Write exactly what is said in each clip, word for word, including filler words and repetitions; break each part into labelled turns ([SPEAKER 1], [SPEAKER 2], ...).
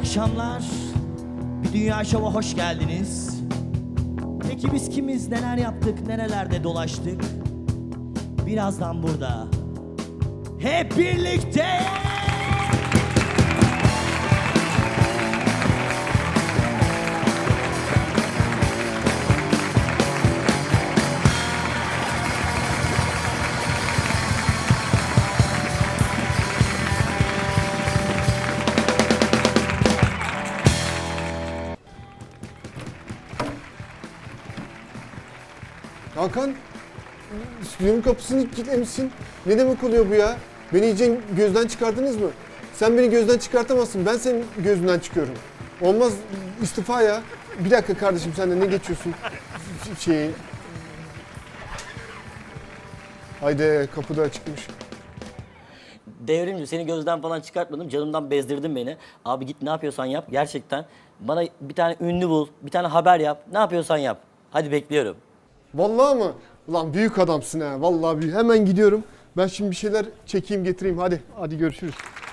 [SPEAKER 1] akşamlar. Bir Dünya Şov'a hoş geldiniz. Peki biz kimiz, neler yaptık, nerelerde dolaştık? Birazdan burada. Hep birlikte!
[SPEAKER 2] Hakan, stüdyonun kapısını kilitlemişsin. Ne demek oluyor bu ya? Beni iyice gözden çıkardınız mı? Sen beni gözden çıkartamazsın. Ben senin gözünden çıkıyorum. Olmaz, istifa ya. Bir dakika kardeşim, sen de ne geçiyorsun? Şeyi... Haydi, kapı da açıkmış.
[SPEAKER 3] Devrimci, seni gözden falan çıkartmadım. Canımdan bezdirdin beni. Abi git ne yapıyorsan yap. Gerçekten bana bir tane ünlü bul, bir tane haber yap. Ne yapıyorsan yap. Hadi bekliyorum.
[SPEAKER 2] Vallahi mı? Ulan büyük adamsın ha. Vallahi büyük. Hemen gidiyorum. Ben şimdi bir şeyler çekeyim, getireyim. Hadi, hadi görüşürüz.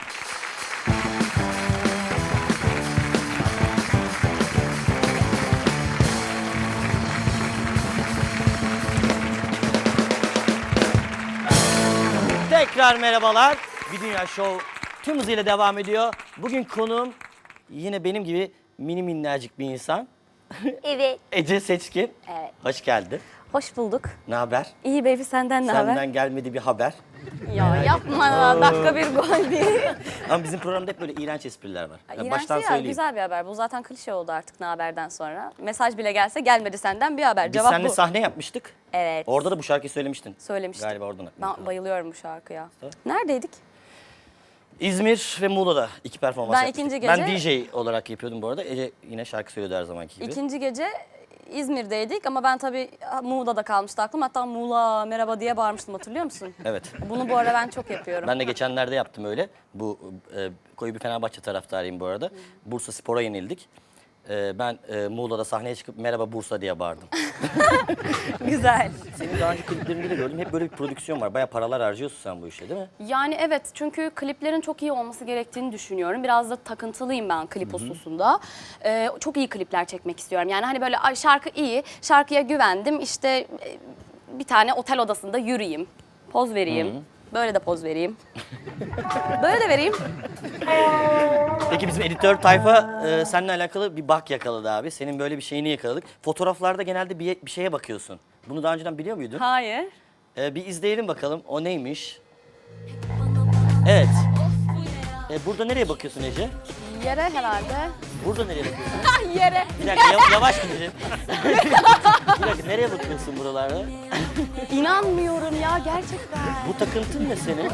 [SPEAKER 3] Tekrar merhabalar. Bir Dünya Show tüm hızıyla devam ediyor. Bugün konuğum yine benim gibi mini minnacık bir insan.
[SPEAKER 4] Evet.
[SPEAKER 3] Ece Seçkin.
[SPEAKER 4] Evet.
[SPEAKER 3] Hoş geldin.
[SPEAKER 4] Hoş bulduk.
[SPEAKER 3] Ne haber?
[SPEAKER 4] İyi baby, senden ne haber?
[SPEAKER 3] Senden gelmedi bir haber.
[SPEAKER 4] Ya yapma ya, dakika bir gol değil.
[SPEAKER 3] Ama bizim programda hep böyle iğrenç espriler var. Yani
[SPEAKER 4] İğrenç
[SPEAKER 3] baştan
[SPEAKER 4] değil ya,
[SPEAKER 3] söyleyeyim.
[SPEAKER 4] güzel bir haber. Bu zaten klişe oldu artık ne haberden sonra. Mesaj bile gelse gelmedi senden bir haber.
[SPEAKER 3] Biz
[SPEAKER 4] Cevap
[SPEAKER 3] seninle
[SPEAKER 4] bu.
[SPEAKER 3] sahne yapmıştık.
[SPEAKER 4] Evet.
[SPEAKER 3] Orada da bu şarkıyı söylemiştin.
[SPEAKER 4] Söylemiştim.
[SPEAKER 3] Galiba oradan.
[SPEAKER 4] Ben bayılıyorum bu şarkıya.
[SPEAKER 3] Tabii.
[SPEAKER 4] Neredeydik?
[SPEAKER 3] İzmir ve Muğla'da iki performans
[SPEAKER 4] Ben
[SPEAKER 3] yapmıştık.
[SPEAKER 4] ikinci
[SPEAKER 3] Ben
[SPEAKER 4] gece-
[SPEAKER 3] D J olarak yapıyordum bu arada. Ece yine şarkı söylüyordu her zamanki gibi.
[SPEAKER 4] İkinci gece İzmir'deydik ama ben tabii Muğla'da kalmıştı aklım. Hatta Muğla merhaba diye bağırmıştım, hatırlıyor musun?
[SPEAKER 3] Evet.
[SPEAKER 4] Bunu bu ara ben çok yapıyorum.
[SPEAKER 3] Ben de geçenlerde yaptım öyle. Bu e, koyu bir Fenerbahçe taraftarıyım bu arada. Bursa Spor'a yenildik. E, ben e, Muğla'da sahneye çıkıp merhaba Bursa diye bağırdım.
[SPEAKER 4] Güzel.
[SPEAKER 3] Senin daha önce kliplerinde de gördüm. Hep böyle bir prodüksiyon var. Bayağı paralar harcıyorsun sen bu işe değil mi?
[SPEAKER 4] Yani evet, çünkü kliplerin çok iyi olması gerektiğini düşünüyorum. Biraz da takıntılıyım ben klip hususunda. Ee, çok iyi klipler çekmek istiyorum. Yani hani böyle "Ay, şarkı iyi, şarkıya güvendim, işte e, bir tane otel odasında yürüyeyim, poz vereyim. Böyle de poz vereyim. Böyle de vereyim.
[SPEAKER 3] Peki bizim editör tayfa e, seninle alakalı bir bak yakaladı abi. Senin böyle bir şeyini yakaladık. Fotoğraflarda genelde bir, bir şeye bakıyorsun. Bunu daha önceden biliyor muydun?
[SPEAKER 4] Hayır.
[SPEAKER 3] E, bir izleyelim bakalım. O neymiş? Evet. E, burada nereye bakıyorsun Ece?
[SPEAKER 4] Yere herhalde.
[SPEAKER 3] Burada nereye bakıyorsun?
[SPEAKER 4] Yere.
[SPEAKER 3] Bir dakika yav- yavaş gidelim. Bir dakika nereye bakıyorsun buralarda?
[SPEAKER 4] İnanmıyorum ya, gerçekten.
[SPEAKER 3] Bu takıntın ne senin?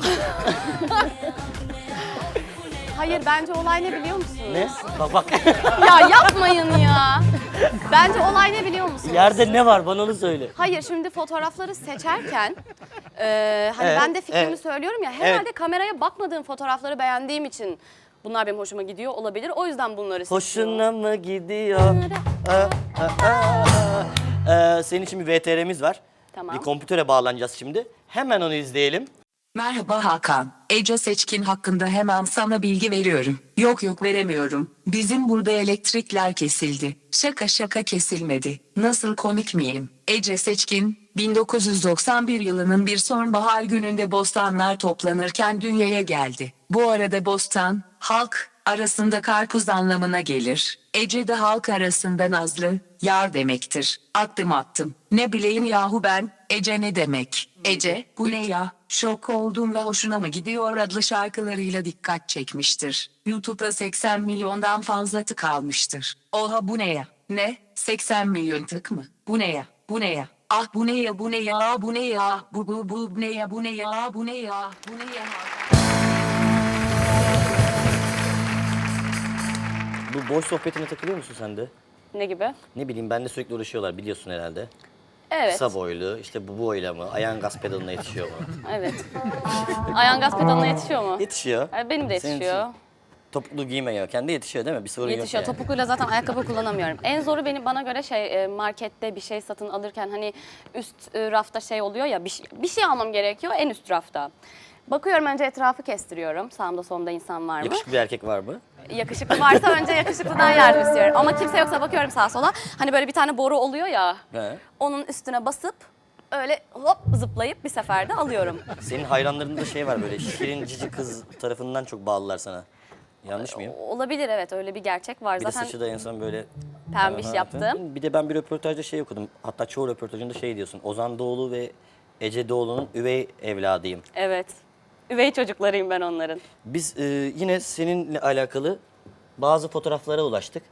[SPEAKER 4] Hayır, bence olay ne biliyor musunuz?
[SPEAKER 3] Ne? Bak bak.
[SPEAKER 4] Ya yapmayın ya. Bence olay ne biliyor musunuz?
[SPEAKER 3] Yerde ne var bana onu söyle.
[SPEAKER 4] Hayır, şimdi fotoğrafları seçerken e, hani
[SPEAKER 3] Evet,
[SPEAKER 4] ben de fikrimi
[SPEAKER 3] evet.
[SPEAKER 4] söylüyorum ya, herhalde
[SPEAKER 3] Evet.
[SPEAKER 4] kameraya bakmadığım fotoğrafları beğendiğim için bunlar benim hoşuma gidiyor olabilir. O yüzden bunları seçiyorum.
[SPEAKER 3] Hoşuna mı gidiyor? Aa, aa, aa. Ee, senin için bir V T R'miz var.
[SPEAKER 4] Tamam.
[SPEAKER 3] Bir kompütöre bağlanacağız şimdi. Hemen onu izleyelim.
[SPEAKER 5] Merhaba Hakan. Ece Seçkin hakkında hemen sana bilgi veriyorum. Yok yok veremiyorum. Bizim burada elektrikler kesildi. Şaka şaka kesilmedi. Nasıl komik miyim? Ece Seçkin, bin dokuz yüz doksan bir yılının bir sonbahar gününde bostanlar toplanırken dünyaya geldi. Bu arada bostan, halk arasında karpuz anlamına gelir. Ece de halk arasında nazlı, yar demektir. Attım attım. Ne bileyim yahu ben, Ece ne demek? Ece, bu ne ya? Şok oldum ve hoşuna mı gidiyor adlı şarkılarıyla dikkat çekmiştir. YouTube'da seksen milyondan fazla tık almıştır. Oha bu ne ya? Ne? seksen milyon tık mı? Bu ne ya? Bu ne ya? Ah bu ne ya? Bu ne ya? Bu ne ya? Bu bu bu ne ya? Bu ne ya? Bu ne ya? Bu ne ya?
[SPEAKER 3] Bu boş sohbetine takılıyor musun sen de?
[SPEAKER 4] Ne gibi?
[SPEAKER 3] Ne bileyim benle sürekli uğraşıyorlar biliyorsun herhalde.
[SPEAKER 4] Evet.
[SPEAKER 3] Kısa boylu, işte bu boyla mı, ayağın gaz pedalına yetişiyor mu?
[SPEAKER 4] Evet. Ayağın gaz pedalına yetişiyor mu?
[SPEAKER 3] Yetişiyor.
[SPEAKER 4] Ay, benim de
[SPEAKER 3] Senin
[SPEAKER 4] yetişiyor.
[SPEAKER 3] için Topuklu giymiyor. Kendi yetişiyor değil mi? Bir sorun
[SPEAKER 4] Yetişiyor.
[SPEAKER 3] yok yani.
[SPEAKER 4] Topukluyla zaten ayakkabı kullanamıyorum. En zoru benim, bana göre şey, e, markette bir şey satın alırken hani üst e, rafta şey oluyor ya, bir şey, bir şey almam gerekiyor en üst rafta. Bakıyorum, önce etrafı kestiriyorum. Sağımda solumda insan var mı?
[SPEAKER 3] Yakışıklı bir erkek var mı?
[SPEAKER 4] Yakışıklı varsa önce yakışıklıdan yardım istiyorum. Ama kimse yoksa bakıyorum sağa sola. Hani böyle bir tane boru oluyor ya.
[SPEAKER 3] He.
[SPEAKER 4] Onun üstüne basıp öyle hop zıplayıp bir seferde alıyorum.
[SPEAKER 3] Senin hayranlarında şey var böyle şirin cici kız tarafından çok bağlılar sana. Yanlış mıyım?
[SPEAKER 4] Olabilir evet öyle bir gerçek var.
[SPEAKER 3] Bir de
[SPEAKER 4] Zaten
[SPEAKER 3] saçı da en son böyle...
[SPEAKER 4] pembiş
[SPEAKER 3] Aha,
[SPEAKER 4] yaptım.
[SPEAKER 3] Bir de ben bir röportajda şey okudum. Hatta çoğu röportajında şey diyorsun. Ozan Doğulu ve Ece Doğulu'nun üvey evladıyım.
[SPEAKER 4] Evet. Üvey çocuklarıyım ben onların.
[SPEAKER 3] Biz e, yine seninle alakalı bazı fotoğraflara ulaştık.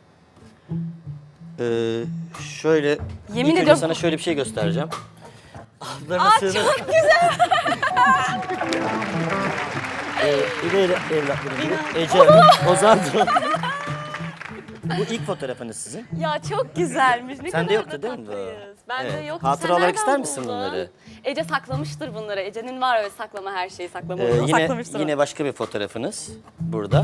[SPEAKER 3] Ee, şöyle
[SPEAKER 4] Yemin
[SPEAKER 3] ilk önce
[SPEAKER 4] ediyorum-
[SPEAKER 3] sana şöyle bir şey göstereceğim. Ablarına sığınır.
[SPEAKER 4] Çok güzel.
[SPEAKER 3] Ee, üvey evlatlarım gibi. Ece Hanım, Ozan Doğulu. Bu ilk fotoğrafınız sizin.
[SPEAKER 4] Ya çok güzelmiş. Ne
[SPEAKER 3] Sende
[SPEAKER 4] kadar
[SPEAKER 3] yoktu
[SPEAKER 4] da
[SPEAKER 3] değil mi bu?
[SPEAKER 4] tatlıyız. Bende
[SPEAKER 3] Evet.
[SPEAKER 4] yok.
[SPEAKER 3] Hatıra
[SPEAKER 4] Sen
[SPEAKER 3] olarak
[SPEAKER 4] nereden
[SPEAKER 3] ister misin
[SPEAKER 4] buldun?
[SPEAKER 3] bunları?
[SPEAKER 4] Ece saklamıştır bunları. Ece'nin var öyle saklama her şeyi saklama.
[SPEAKER 3] Ee,
[SPEAKER 4] Bunu
[SPEAKER 3] yine
[SPEAKER 4] saklamıştır.
[SPEAKER 3] yine başka bir fotoğrafınız burada.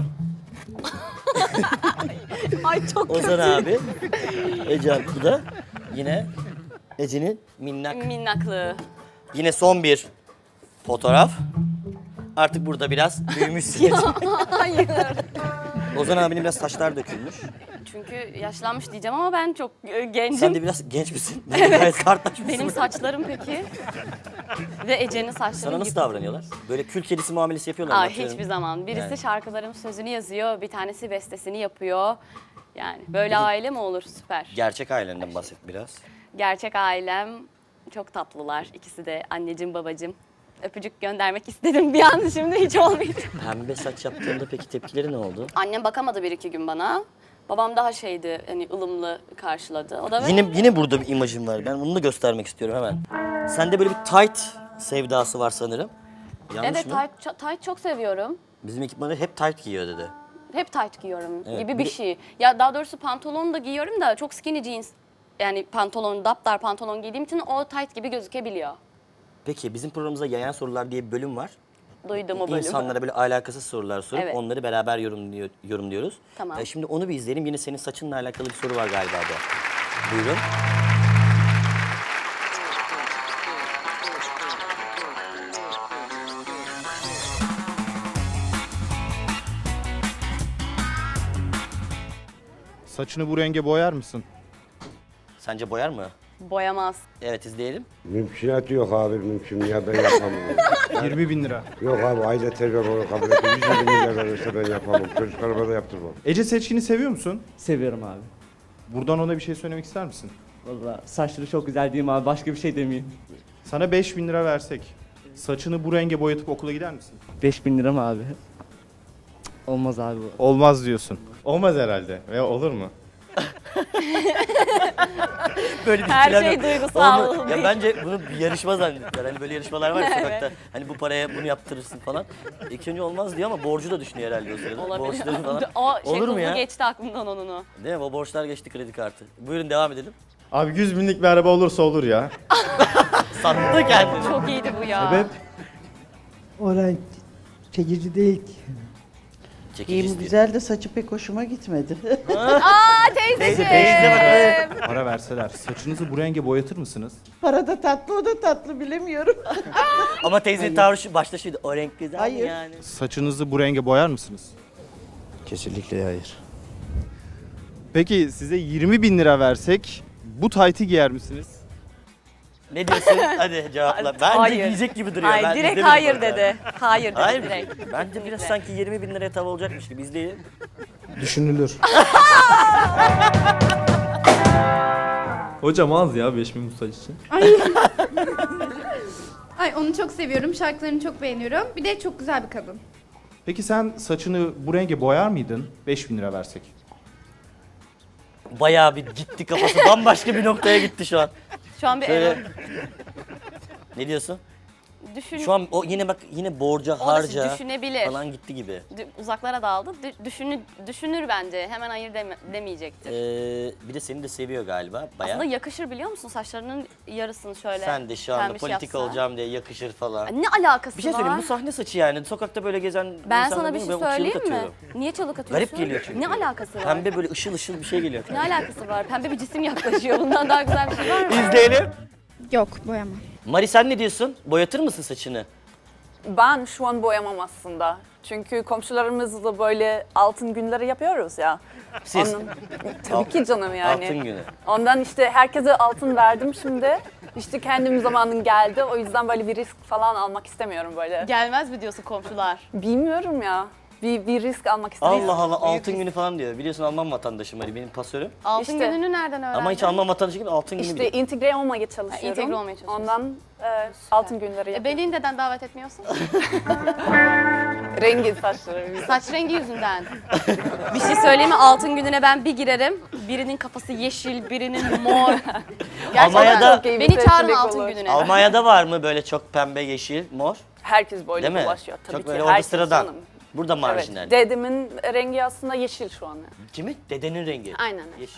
[SPEAKER 4] Ay çok
[SPEAKER 3] Ozan abi, Ece Hanım bu da yine Ece'nin minnak.
[SPEAKER 4] minnaklığı.
[SPEAKER 3] Yine son bir fotoğraf. Artık burada biraz büyümüşsünüz.
[SPEAKER 4] Hayır.
[SPEAKER 3] Ozan abinin biraz saçlar dökülmüş.
[SPEAKER 4] Çünkü yaşlanmış diyeceğim ama ben çok e, gencim.
[SPEAKER 3] Sen de biraz genç misin? Benim gayet kartlaşmışsın.
[SPEAKER 4] Benim saçlarım peki. Ve Ece'nin saçları
[SPEAKER 3] Sana nasıl
[SPEAKER 4] gibi.
[SPEAKER 3] davranıyorlar? Böyle kül kedisi muamelesi yapıyorlar mı?
[SPEAKER 4] Aa,
[SPEAKER 3] Atıyorum.
[SPEAKER 4] hiçbir zaman. Birisi
[SPEAKER 3] Yani.
[SPEAKER 4] şarkıların sözünü yazıyor, bir tanesi bestesini yapıyor. Yani böyle aile mi olur? Süper.
[SPEAKER 3] Gerçek ailenden bahset biraz.
[SPEAKER 4] Gerçek ailem çok tatlılar. İkisi de anneciğim babacığım. Öpücük göndermek istedim bir an şimdi hiç olmayacak.
[SPEAKER 3] Pembe saç yaptığında peki tepkileri ne oldu?
[SPEAKER 4] Annem bakamadı bir iki gün bana. Babam daha şeydi hani ılımlı karşıladı. O da
[SPEAKER 3] Yine yine burada bir imajım var. Ben bunu da göstermek istiyorum hemen. Sende böyle bir tight sevdası var sanırım. Yanlış
[SPEAKER 4] evet
[SPEAKER 3] mı?
[SPEAKER 4] tight, tight çok seviyorum.
[SPEAKER 3] Bizim ekipmanı hep tight giyiyor dedi.
[SPEAKER 4] Hep tight giyiyorum
[SPEAKER 3] Evet,
[SPEAKER 4] gibi
[SPEAKER 3] bir
[SPEAKER 4] bir
[SPEAKER 3] de-
[SPEAKER 4] şey. Ya daha doğrusu pantolon da giyiyorum da çok skinny jeans. Yani pantolon, daptar pantolon giydiğim için o tight gibi gözükebiliyor.
[SPEAKER 3] Peki bizim programımızda yayan sorular diye bir bölüm var.
[SPEAKER 4] Duydum o bölümü.
[SPEAKER 3] İnsanlara böyle alakasız sorular sorup
[SPEAKER 4] Evet.
[SPEAKER 3] onları beraber yorumluyor, yorumluyoruz.
[SPEAKER 4] Tamam.
[SPEAKER 3] Ee, şimdi onu bir izleyelim. Yine senin saçınla alakalı bir soru var galiba da. Buyurun.
[SPEAKER 6] Saçını bu renge boyar mısın?
[SPEAKER 3] Sence boyar mı?
[SPEAKER 4] Boyamaz.
[SPEAKER 3] Evet izleyelim.
[SPEAKER 7] Mümkünatı yok abi mümkün ya ben yapamam.
[SPEAKER 6] yirmi bin lira.
[SPEAKER 7] Yok abi aile terbiye bunu kabul etmiyor. yüz yirmi milyar verirse ben yapamam. Çocuklarıma da yaptırmam.
[SPEAKER 6] Ece Seçkin'i seviyor musun?
[SPEAKER 8] Seviyorum abi.
[SPEAKER 6] Buradan ona bir şey söylemek ister misin?
[SPEAKER 8] Vallahi saçları çok güzel değil mi abi? Başka bir şey demeyeyim.
[SPEAKER 6] Sana beş bin lira versek, saçını bu renge boyatıp okula gider misin?
[SPEAKER 8] beş bin lira mı abi? Cık, olmaz abi bu.
[SPEAKER 6] Olmaz diyorsun. Olmaz herhalde. Veya olur mu?
[SPEAKER 3] Böyle bir
[SPEAKER 4] Her
[SPEAKER 3] plan
[SPEAKER 4] şey
[SPEAKER 3] yok.
[SPEAKER 4] duygusal
[SPEAKER 3] Onu-
[SPEAKER 4] değil.
[SPEAKER 3] Ya bence bunu bir yarışma zannettiler. Hani böyle yarışmalar var ya sokakta. Hani bu paraya bunu yaptırırsın falan. İlk önce olmaz diyor ama borcu da düşünüyor herhalde o sırada.
[SPEAKER 4] Olabilir.
[SPEAKER 3] Borçları falan.
[SPEAKER 4] O şey
[SPEAKER 3] Olur mu
[SPEAKER 4] hızlı
[SPEAKER 3] ya?
[SPEAKER 4] geçti aklımdan onunu.
[SPEAKER 3] Değil mi? O borçlar geçti kredi kartı. Buyurun devam edelim.
[SPEAKER 6] Abi yüz binlik bir araba olursa olur ya.
[SPEAKER 3] Sattı kendini.
[SPEAKER 4] Çok iyiydi bu ya.
[SPEAKER 6] Sebep?
[SPEAKER 9] O renk çekici değil ki.
[SPEAKER 3] Çekici
[SPEAKER 9] Giyim
[SPEAKER 3] istiyor.
[SPEAKER 9] güzel de saçı pek hoşuma gitmedi.
[SPEAKER 4] Aa teyzeciğim.
[SPEAKER 3] Teyze bak evet.
[SPEAKER 6] Para verseler, saçınızı bu renge boyatır mısınız?
[SPEAKER 9] Para da tatlı, o da tatlı bilemiyorum.
[SPEAKER 3] Ama teyzenin tavrı şu, başta şuydu. O renk güzel mi
[SPEAKER 9] Hayır.
[SPEAKER 3] yani?
[SPEAKER 6] Saçınızı bu renge boyar mısınız?
[SPEAKER 7] Kesinlikle hayır.
[SPEAKER 6] Peki size yirmi bin lira versek, bu taytı giyer misiniz?
[SPEAKER 3] Ne diyorsun? Hadi cevapla. Bence
[SPEAKER 4] Hayır.
[SPEAKER 3] giyecek gibi duruyor.
[SPEAKER 4] Hayır
[SPEAKER 3] Ben
[SPEAKER 4] direkt
[SPEAKER 3] izlemedim
[SPEAKER 4] hayır
[SPEAKER 3] orada.
[SPEAKER 4] dedi. Hayır dedi
[SPEAKER 3] Hayır mı?
[SPEAKER 4] direkt.
[SPEAKER 3] Bence biraz
[SPEAKER 4] Kesinlikle.
[SPEAKER 3] sanki yirmi bin liraya tav olacakmış gibi. İzleyelim.
[SPEAKER 2] Düşünülür.
[SPEAKER 10] Hocam az ya beş bin bu saç için.
[SPEAKER 11] Ay onu çok seviyorum. Şarkılarını çok beğeniyorum. Bir de çok güzel bir kadın.
[SPEAKER 6] Peki sen saçını bu renge boyar mıydın beş bin lira versek?
[SPEAKER 3] Bayağı bir gitti kafası. Bambaşka bir noktaya gitti şu an.
[SPEAKER 4] Şu an bir
[SPEAKER 3] Şöyle...
[SPEAKER 4] evet.
[SPEAKER 3] Ne diyorsun?
[SPEAKER 4] Düşün,
[SPEAKER 3] Şu an o yine bak yine borca,
[SPEAKER 4] O da
[SPEAKER 3] harca
[SPEAKER 4] düşünebilir.
[SPEAKER 3] falan gitti gibi.
[SPEAKER 4] dü- uzaklara daldı. Dü- düşünü, düşünür bence. Hemen hayır deme- demeyecektir.
[SPEAKER 3] Ee, bir de seni de seviyor galiba bayağı.
[SPEAKER 4] Aslında yakışır biliyor musun? Saçlarının yarısını şöyle
[SPEAKER 3] Sen de şu anda
[SPEAKER 4] pembiş
[SPEAKER 3] politika
[SPEAKER 4] yapsa.
[SPEAKER 3] olacağım diye yakışır falan.
[SPEAKER 4] Ay, Ne alakası
[SPEAKER 3] Bir şey
[SPEAKER 4] var?
[SPEAKER 3] söyleyeyim bu sahne saçı yani. Sokakta böyle gezen
[SPEAKER 4] Ben
[SPEAKER 3] insanlar
[SPEAKER 4] sana bir
[SPEAKER 3] değil
[SPEAKER 4] şey
[SPEAKER 3] mi? Ben o çığlık
[SPEAKER 4] söyleyeyim mi?
[SPEAKER 3] atıyorum.
[SPEAKER 4] Niye çalık atıyorsun?
[SPEAKER 3] Garip geliyor çünkü.
[SPEAKER 4] Ne alakası var?
[SPEAKER 3] Pembe böyle ışıl ışıl bir şey geliyor.
[SPEAKER 4] Ne alakası var? Pembe bir cisim yaklaşıyor. Bundan daha güzel bir şey var mı?
[SPEAKER 3] İzleyelim.
[SPEAKER 11] Yok boyama.
[SPEAKER 3] Mari sen ne diyorsun? Boyatır mısın saçını?
[SPEAKER 10] Ben şu an boyamam aslında. Çünkü komşularımızla böyle altın günleri yapıyoruz ya.
[SPEAKER 3] Siz?
[SPEAKER 10] Onun- tabii ki canım yani.
[SPEAKER 3] Altın günü.
[SPEAKER 10] Ondan işte herkese altın verdim şimdi. İşte kendim zamanın geldi. O yüzden böyle bir risk falan almak istemiyorum böyle.
[SPEAKER 4] Gelmez mi diyorsun komşular?
[SPEAKER 10] Bilmiyorum ya. Bir, bir risk almak istemiyorum.
[SPEAKER 3] Allah Allah altın günü falan diyor. Biliyorsun Alman vatandaşım Ali benim pasörüm.
[SPEAKER 4] Altın
[SPEAKER 10] İşte-
[SPEAKER 4] gününü nereden öğrendin?
[SPEAKER 3] Ama hiç Alman vatandaşı gibi altın günü
[SPEAKER 10] İşte
[SPEAKER 3] biliyor.
[SPEAKER 10] entegre olmaya çalışıyorum.
[SPEAKER 4] entegre olmaya çalışıyorsun.
[SPEAKER 10] Ondan e, altın günleri
[SPEAKER 4] E,
[SPEAKER 10] yapıyorum.
[SPEAKER 4] beni neden davet etmiyorsun?
[SPEAKER 10] Rengi saçları.
[SPEAKER 4] Saç rengi yüzünden. Bir şey söyleyeyim mi? Altın gününe ben bir girerim. Birinin kafası yeşil, birinin mor. Gerçekten.
[SPEAKER 3] Almanya'da-
[SPEAKER 10] Çok iyi bir
[SPEAKER 4] Beni çağırma
[SPEAKER 10] seçenek
[SPEAKER 4] altın
[SPEAKER 10] olur.
[SPEAKER 4] gününe.
[SPEAKER 3] Almanya'da var mı böyle çok pembe, yeşil, mor?
[SPEAKER 10] Herkes böyle
[SPEAKER 3] Değil mi?
[SPEAKER 10] dolaşıyor tabii
[SPEAKER 3] Çok
[SPEAKER 10] ki.
[SPEAKER 3] böyle orada
[SPEAKER 10] Herkes
[SPEAKER 3] sıradan.
[SPEAKER 10] canım.
[SPEAKER 3] Burada
[SPEAKER 10] Evet.
[SPEAKER 3] marjinal.
[SPEAKER 10] Dedemin rengi aslında yeşil şu an.
[SPEAKER 3] Kimi? Dedenin rengi.
[SPEAKER 10] Aynen.
[SPEAKER 3] Yeşil.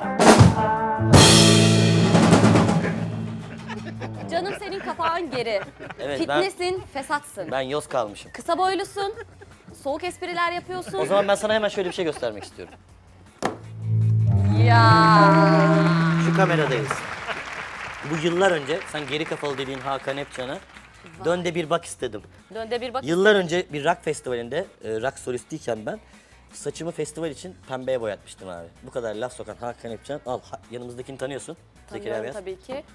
[SPEAKER 4] Canım senin kapağın geri.
[SPEAKER 3] Evet, ben-
[SPEAKER 4] Fitnesin, fesatsın.
[SPEAKER 3] Ben yoz kalmışım.
[SPEAKER 4] Kısa boylusun. Soğuk espriler yapıyorsun.
[SPEAKER 3] O zaman ben sana hemen şöyle bir şey göstermek istiyorum.
[SPEAKER 4] Ya.
[SPEAKER 3] Şu kameradayız. Bu yıllar önce sen geri kafalı dediğin Hakan Epcan'a dön de bir bak istedim.
[SPEAKER 4] Dönde bir bak.
[SPEAKER 3] Yıllar önce bir rock festivalinde e, rock solistiyken ben saçımı festival için pembeye boyatmıştım abi. Bu kadar laf sokan Hakan Epcan al ha- yanımızdakini tanıyorsun. Zekeriya
[SPEAKER 4] Tanıyorum
[SPEAKER 3] Beyaz.
[SPEAKER 4] tabii ki.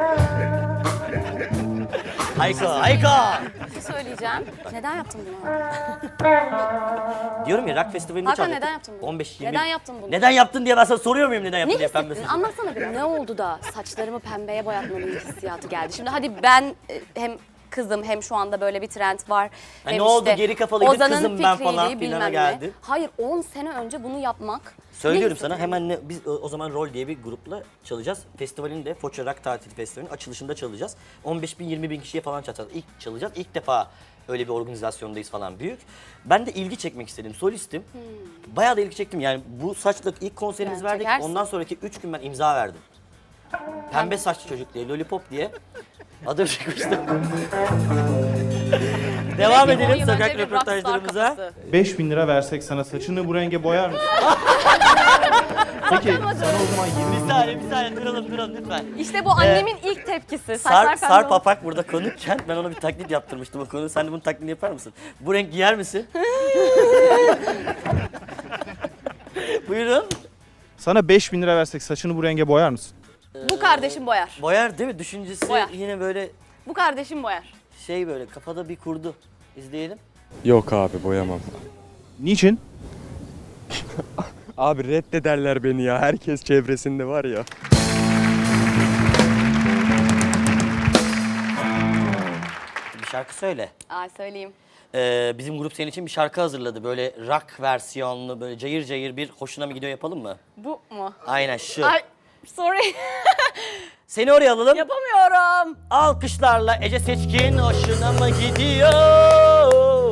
[SPEAKER 3] Hayko, Hayko!
[SPEAKER 4] Bir şey söyleyeceğim. Neden yaptın bunu?
[SPEAKER 3] Diyorum ya rock festivalinde
[SPEAKER 4] Hakan,
[SPEAKER 3] çalacaktık.
[SPEAKER 4] neden yaptın bunu?
[SPEAKER 3] on beş yirmi
[SPEAKER 4] Neden yaptın bunu?
[SPEAKER 3] Neden yaptın diye ben sana soruyor muyum neden yaptın
[SPEAKER 4] Ne
[SPEAKER 3] diye
[SPEAKER 4] hissettin?
[SPEAKER 3] pembe saçı?
[SPEAKER 4] Anlatsana bir. Ne oldu da saçlarımı pembeye boyatmalıyım hissiyatı geldi. Şimdi hadi ben e, hem kızım hem şu anda böyle bir trend var.
[SPEAKER 3] Ha,
[SPEAKER 4] hem
[SPEAKER 3] ne oldu?
[SPEAKER 4] işte
[SPEAKER 3] Geri kafalıydı,
[SPEAKER 4] Ozan'ın
[SPEAKER 3] kızım ben
[SPEAKER 4] fikriydi,
[SPEAKER 3] falan
[SPEAKER 4] bilmem
[SPEAKER 3] filana
[SPEAKER 4] ne.
[SPEAKER 3] geldi.
[SPEAKER 4] Hayır on sene önce bunu yapmak.
[SPEAKER 3] Söylüyorum
[SPEAKER 4] ne
[SPEAKER 3] sana
[SPEAKER 4] hissettin?
[SPEAKER 3] hemen ne, biz o, o zaman Rol diye bir grupla çalacağız. Festivalin de Foça Rock Tatili Festivali'nin açılışında çalacağız. on beş bin yirmi bin kişiye falan çalacağız. İlk çalacağız. İlk defa öyle bir organizasyondayız falan büyük. Ben de ilgi çekmek istedim. Solistim. Bayağı da ilgi çektim. Yani bu saçla ilk konserimizi
[SPEAKER 4] Ben
[SPEAKER 3] verdik.
[SPEAKER 4] çekersin.
[SPEAKER 3] Ondan sonraki üç gün ben imza verdim. Pembe saçlı çocuk diye, Lollipop diye. Adım çıkmıştı. Devam
[SPEAKER 4] Demek ki on
[SPEAKER 3] edelim
[SPEAKER 4] yıl
[SPEAKER 3] sokak
[SPEAKER 4] önce bir rockstar
[SPEAKER 3] röportajlarımıza.
[SPEAKER 4] kafası.
[SPEAKER 6] beş bin lira versek sana saçını bu renge boyar mısın? Peki sana o zaman yirmi
[SPEAKER 3] Bir saniye, bir saniye duralım duralım lütfen.
[SPEAKER 4] İşte bu annemin ilk tepkisi.
[SPEAKER 3] Sar,
[SPEAKER 4] Saçlar pembe
[SPEAKER 3] Sarp
[SPEAKER 4] oldu.
[SPEAKER 3] Apak burada konukken ben ona bir taklit yaptırmıştım o konuyu. Sen de bunun taklidini yapar mısın? Bu renk giyer misin? Buyurun.
[SPEAKER 6] Sana beş bin lira versek saçını bu renge boyar mısın?
[SPEAKER 4] Bu kardeşim boyar.
[SPEAKER 3] Boyar değil mi? Düşüncesi
[SPEAKER 4] Boyar.
[SPEAKER 3] yine böyle
[SPEAKER 4] Bu kardeşim boyar.
[SPEAKER 3] şey böyle kafada bir kurdu. İzleyelim.
[SPEAKER 12] Yok abi boyamam.
[SPEAKER 6] Niçin?
[SPEAKER 12] Abi reddederler beni ya. Herkes çevresinde var ya.
[SPEAKER 3] Bir şarkı söyle.
[SPEAKER 4] Ay söyleyeyim.
[SPEAKER 3] Ee, bizim grup senin için bir şarkı hazırladı. Böyle rock versiyonlu, böyle cayır cayır bir hoşuna mı gidiyor yapalım mı?
[SPEAKER 4] Bu mu?
[SPEAKER 3] Aynen şu.
[SPEAKER 4] Ay sorry.
[SPEAKER 3] Seni oraya alalım.
[SPEAKER 4] Yapamıyorum.
[SPEAKER 3] Alkışlarla Ece Seçkin hoşuna mı gidiyor?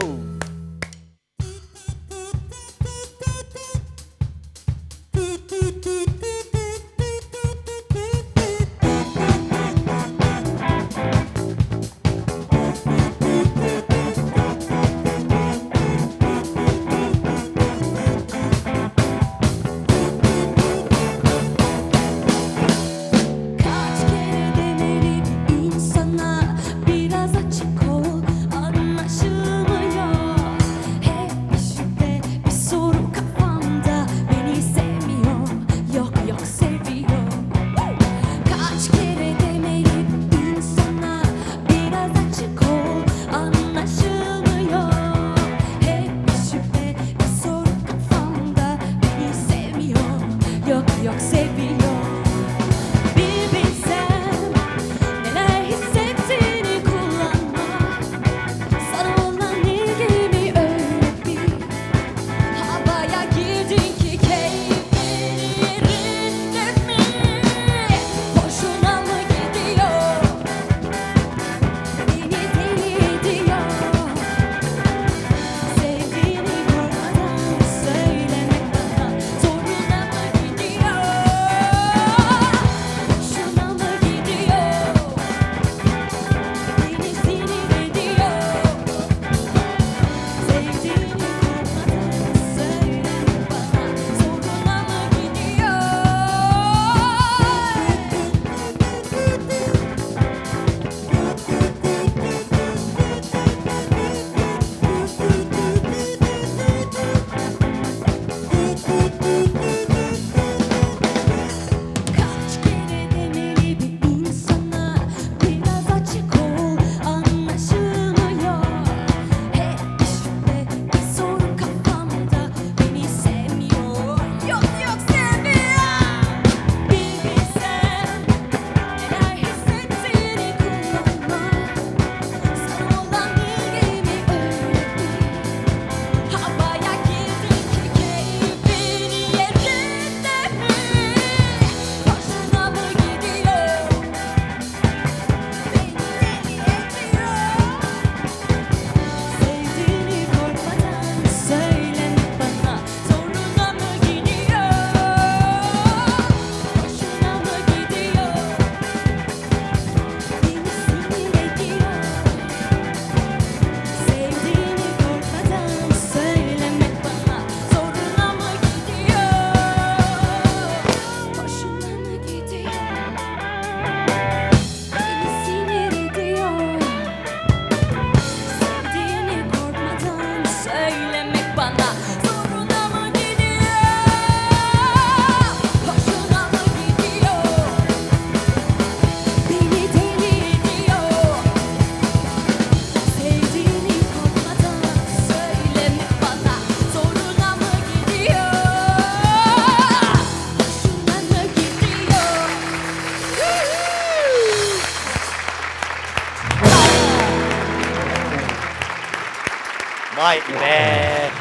[SPEAKER 13] Kaç kere demeliyim insana biraz açık ol, anlaşılmıyor. Hep şüphe bir soru kafamda, beni sevmiyor, yok
[SPEAKER 3] Vay be.